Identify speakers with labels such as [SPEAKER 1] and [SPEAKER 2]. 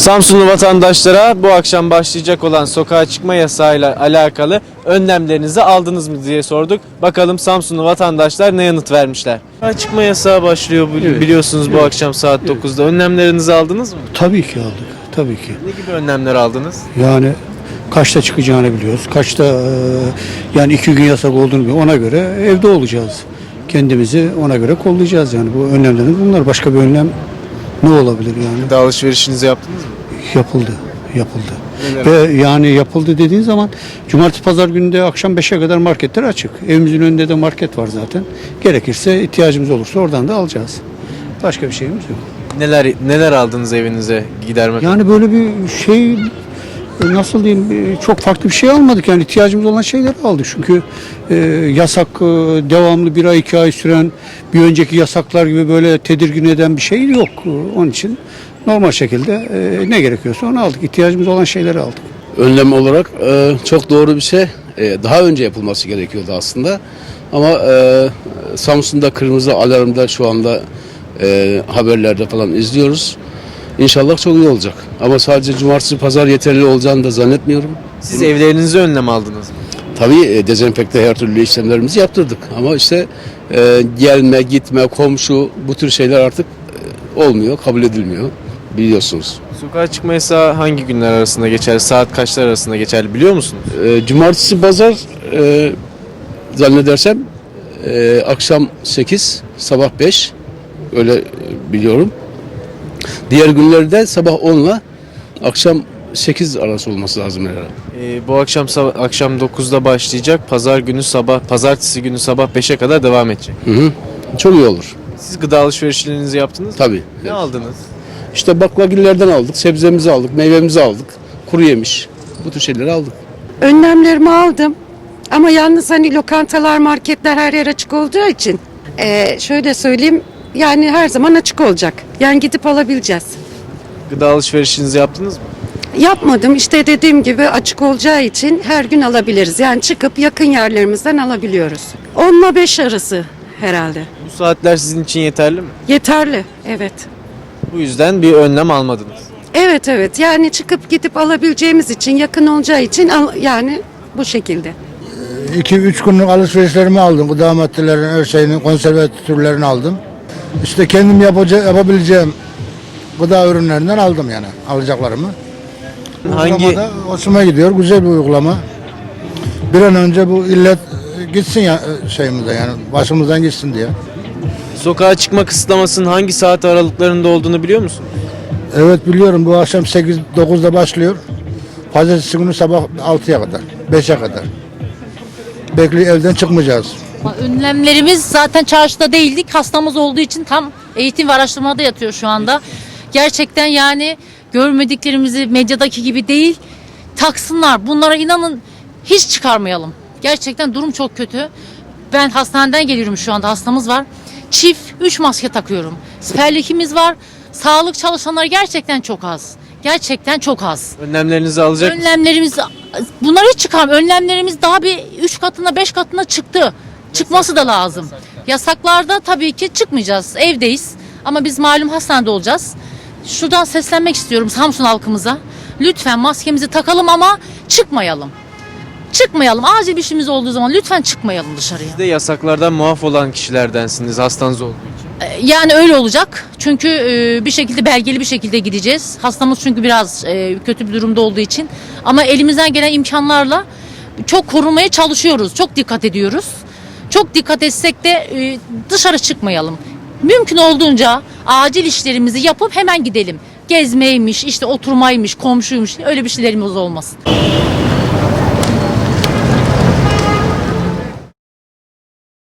[SPEAKER 1] Samsunlu vatandaşlara bu akşam başlayacak olan sokağa çıkma yasağıyla alakalı önlemlerinizi aldınız mı diye sorduk. Bakalım Samsunlu vatandaşlar ne yanıt vermişler. Sokağa çıkma yasağı başlıyor biliyorsunuz bu akşam saat 9'da. Önlemlerinizi aldınız mı?
[SPEAKER 2] Tabii ki aldık. Tabii ki.
[SPEAKER 1] Ne gibi önlemler aldınız?
[SPEAKER 2] Yani kaçta çıkacağını biliyoruz. Kaçta yani 2 gün yasak olduğunu biliyoruz. Ona göre evde olacağız. Kendimizi ona göre kollayacağız yani. Bu önlemlerimiz bunlar. Başka bir önlem ne olabilir yani?
[SPEAKER 1] Gıda alışverişinizi yaptınız mı?
[SPEAKER 2] Yapıldı. Yapıldı.
[SPEAKER 1] Neler?
[SPEAKER 2] Ve yani yapıldı dediğin zaman cumartesi pazar günü de akşam 5'e kadar marketler açık. Evimizin önünde de market var zaten. Gerekirse ihtiyacımız olursa oradan da alacağız. Başka bir şeyimiz yok.
[SPEAKER 1] Neler aldınız evinize gidermek?
[SPEAKER 2] Yani böyle bir şey nasıl diyeyim çok farklı bir şey almadık yani ihtiyacımız olan şeyleri aldık çünkü yasak devamlı 1 ay 2 ay süren bir önceki yasaklar gibi böyle tedirgin eden bir şey yok. Onun için normal şekilde ne gerekiyorsa onu aldık, ihtiyacımız olan şeyleri aldık.
[SPEAKER 3] Önlem olarak çok doğru bir şey. Daha önce yapılması gerekiyordu aslında. Ama Samsun'da kırmızı alarmda şu anda haberlerde falan izliyoruz. İnşallah çok iyi olacak. Ama sadece cumartesi pazar yeterli olacağını da zannetmiyorum.
[SPEAKER 1] Siz evlerinize önlem aldınız mı?
[SPEAKER 3] Tabii dezenfekte her türlü işlemlerimizi yaptırdık. Ama işte gelme, gitme, komşu bu tür şeyler artık olmuyor, kabul edilmiyor biliyorsunuz.
[SPEAKER 1] Sokağa çıkma yasağı hangi günler arasında geçer? Saat kaçlar arasında geçerli biliyor musunuz?
[SPEAKER 3] Cumartesi pazar zannedersem akşam 8, sabah 5 öyle biliyorum. Diğer günlerde sabah 10 ile akşam 8 arası olması lazım herhalde.
[SPEAKER 1] Bu akşam akşam 9'da başlayacak. Pazartesi günü sabah 5'e kadar devam edecek.
[SPEAKER 3] Hı hı. Çok iyi olur.
[SPEAKER 1] Siz gıda alışverişlerinizi yaptınız mı?
[SPEAKER 3] Tabii.
[SPEAKER 1] Ne aldınız?
[SPEAKER 3] İşte baklagillerden aldık, sebzemizi aldık, meyvemizi aldık, kuru yemiş. Bu tür şeyleri aldık.
[SPEAKER 4] Önlemlerimi aldım. Ama yalnız hani lokantalar, marketler her yer açık olduğu için şöyle söyleyeyim yani her zaman açık olacak. Yani gidip alabileceğiz.
[SPEAKER 1] Gıda alışverişinizi yaptınız mı?
[SPEAKER 4] Yapmadım işte dediğim gibi açık olacağı için her gün alabiliriz. Yani çıkıp yakın yerlerimizden alabiliyoruz. 10 ile 5 arası herhalde.
[SPEAKER 1] Bu saatler sizin için yeterli mi?
[SPEAKER 4] Yeterli, evet.
[SPEAKER 1] Bu yüzden bir önlem almadınız.
[SPEAKER 4] Evet yani çıkıp gidip alabileceğimiz için yakın olacağı için yani bu şekilde.
[SPEAKER 5] 2-3 günlük alışverişlerimi aldım. Gıda maddelerinin, her şeyini, konserve türlerini aldım. İşte kendim yapabileceğim gıda ürünlerinden aldım yani alacaklarımı. Uygulamada hoşuma gidiyor. Güzel bir uygulama. Bir an önce bu illet gitsin ya şeyimizde yani başımızdan gitsin diye.
[SPEAKER 1] Sokağa çıkma kısıtlamasının hangi saat aralıklarında olduğunu biliyor musun?
[SPEAKER 5] Evet biliyorum bu akşam 8-9'da başlıyor. Pazartesi günü sabah 6'ya kadar, 5'e kadar. Bekliyor evden çıkmayacağız.
[SPEAKER 6] Önlemlerimiz zaten çarşıda değildik. Hastamız olduğu için tam eğitim ve araştırmada yatıyor şu anda. Gerçekten yani görmediklerimizi medyadaki gibi değil taksınlar. Bunlara inanın hiç çıkarmayalım. Gerçekten durum çok kötü. Ben hastaneden geliyorum şu anda hastamız var. Çift 3 maske takıyorum. Siperlikimiz var. Sağlık çalışanları gerçekten çok az. Gerçekten çok az.
[SPEAKER 1] Önlemlerinizi alacak mısınız?
[SPEAKER 6] Önlemlerimiz bunları hiç çıkarmıyor. Önlemlerimiz daha bir 3 katına 5 katına çıktı. Çıkması da lazım. Yasaklarda tabii ki çıkmayacağız. Evdeyiz. Ama biz malum hastanede olacağız. Şuradan seslenmek istiyorum Samsun halkımıza. Lütfen maskemizi takalım ama çıkmayalım. Çıkmayalım. Acil bir işimiz olduğu zaman lütfen çıkmayalım dışarıya.
[SPEAKER 1] Siz de yasaklardan muaf olan kişilerdensiniz hastanız olduğu için.
[SPEAKER 6] Yani öyle olacak. Çünkü bir şekilde belgeli bir şekilde gideceğiz. Hastamız çünkü biraz kötü bir durumda olduğu için. Ama elimizden gelen imkanlarla çok korumaya çalışıyoruz. Çok dikkat ediyoruz. Çok dikkat etsek de dışarı çıkmayalım. Mümkün olduğunca acil işlerimizi yapıp hemen gidelim. Gezmeymiş, işte oturmaymış, komşuymuş öyle bir şeylerimiz olmasın.